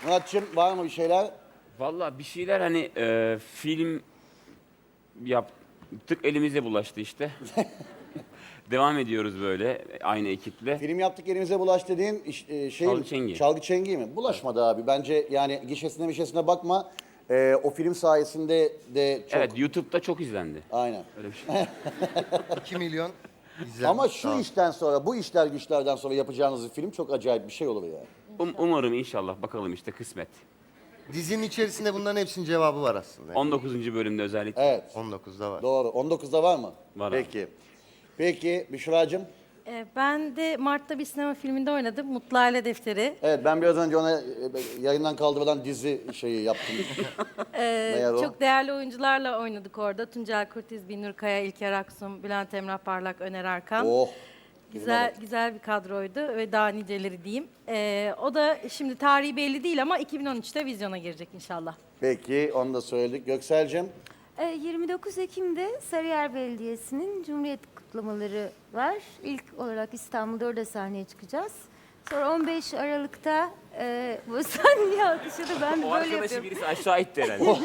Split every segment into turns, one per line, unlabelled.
Muratçım var mı bir şeyler?
Vallahi bir şeyler hani film yaptık elimizde bulaştı işte. Devam ediyoruz böyle aynı ekiple.
Film yaptık elimize bulaş dediğin şey
Çalgı Çengi.
Çalgı Çengi mi? Bulaşmadı abi. Bence yani gişesine bakma. O film sayesinde de çok...
Evet YouTube'da çok izlendi.
Aynen.
Öyle bir şey.
2 milyon izlenmiş.
Ama şu
Tamam.
işten sonra, bu işler güçlerden sonra yapacağınız bir film çok acayip bir şey olur yani.
Umarım inşallah bakalım işte kısmet.
Dizinin içerisinde bunların hepsinin cevabı var aslında.
19. bölümde özellikle.
Evet.
19'da var.
Doğru. 19'da var mı?
Var abi.
Peki. Peki Büşra'cığım.
Ben de Mart'ta bir sinema filminde oynadım. Mutlu Aile Defteri.
Evet ben biraz önce ona yayından kaldırılan dizi şeyi yaptım. Meğer o.
Çok değerli oyuncularla oynadık orada. Tuncel Kurtiz, Binur Kaya, İlker Aksum, Bülent Emrah Parlak, Öner Arkan.
Oh.
Güzel bir kadroydu ve daha niceleri diyeyim. O da şimdi tarihi belli değil ama 2013'te vizyona girecek inşallah.
Peki onu da söyledik. Göksel'cim.
29 Ekim'de Sarıyer Belediyesi'nin Cumhuriyet kutlamaları var. İlk olarak İstanbul'da orada sahneye çıkacağız. Sonra 15 Aralık'ta bu sahneye alkışladı. Ben de
O
böyle
arkadaşı
yapıyorum.
birisi aşağı itti herhalde.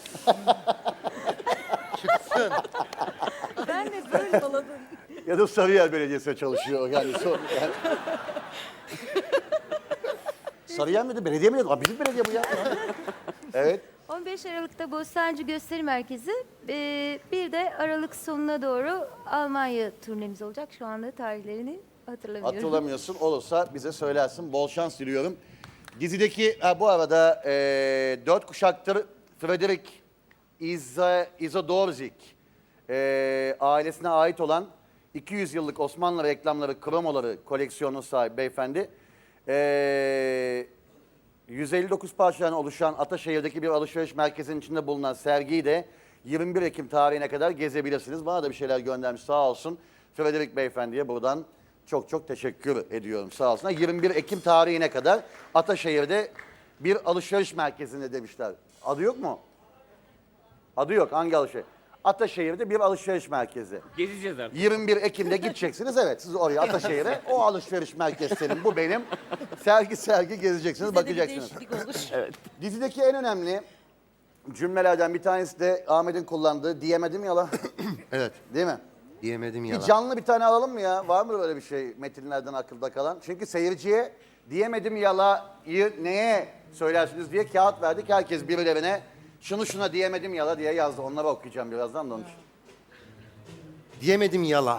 Ben de böyle
Ya da Sarıyer Belediyesi'ne çalışıyor. Yani, Sarıyer miydi? Belediye miydi? Aa, bizim belediye bu ya. Evet.
15 Aralık'ta Bostancı Gösteri Merkezi. Bir de Aralık sonuna doğru Almanya turnemiz olacak. Şu anda tarihlerini hatırlamıyorum.
Hatırlamıyorsun. Olursa bize söylersin. Bol şans diliyorum. Dizideki bu arada 4 kuşaktır Frederick Izodorzik ailesine ait olan 200 yıllık Osmanlı reklamları, kromoları koleksiyonu sahibi beyefendi. 159 parçadan oluşan Ataşehir'deki bir alışveriş merkezinin içinde bulunan sergiyi de 21 Ekim tarihine kadar gezebilirsiniz. Bana da bir şeyler göndermiş sağ olsun. Frederick Beyefendi'ye buradan çok teşekkür ediyorum sağ olsun. 21 Ekim tarihine kadar Ataşehir'de bir alışveriş merkezinde demişler. Adı yok mu? Adı yok. Hangi alışveriş? Ataşehir'de bir alışveriş merkezi.
Gezeceğiz artık.
21 Ekim'de gideceksiniz. Evet siz oraya Ataşehir'e. O alışveriş merkezi senin, bu benim. Sergi gezeceksiniz, bakacaksınız.
Bizde de bir değişiklik olur.
Dizideki en önemli cümlelerden bir tanesi de Ahmet'in kullandığı diyemedim yala.
Evet.
Değil mi?
Diyemedim
Bir
yalan.
canlı bir tane alalım mı ya? Var mı böyle bir şey metinlerden akılda kalan? Çünkü seyirciye diyemedim yalayı neye söylersiniz diye kağıt verdik. Herkes birilerine şuna diyemedim yala diye yazdı. Onları okuyacağım birazdan da onun için.
Diyemedim yala.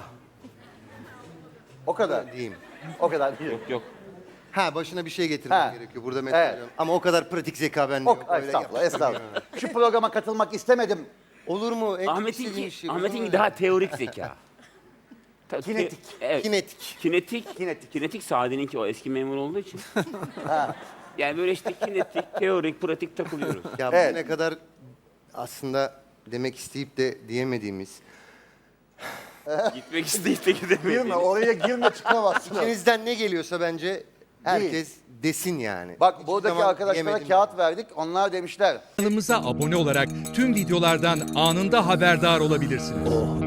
O kadar.
Diyeyim.
O kadar değil.
Yok.
Ha başına bir şey getirmem
Ha.
gerekiyor. Burada
Evet.
metal ama o kadar pratik zeka bende yok. Öyle
Estağfurullah,
yap-
estağfurullah. Şu programa katılmak istemedim.
Olur mu? En çok istediğim
Ahmet'inki
şey.
Ahmet'inki daha teorik zeka.
Kinetik.
Evet.
Kinetik.
Kinetik Sadi'ninki o eski memur olduğu için. Yani böyle işte kinetik, teorik, pratik takılıyoruz.
Ya
Evet.
bugüne kadar aslında demek isteyip de diyemediğimiz.
Gitmek isteyip de gidemediğimiz.
Girme, oraya girme çıkamazsın.
İçinizden ne geliyorsa bence herkes desin yani.
Bak
Hiçbir
buradaki
zaman
arkadaşlara
diyemedim.
kağıt verdik. Onlar demişler.
Kanalımıza abone olarak tüm videolardan anında haberdar olabilirsiniz.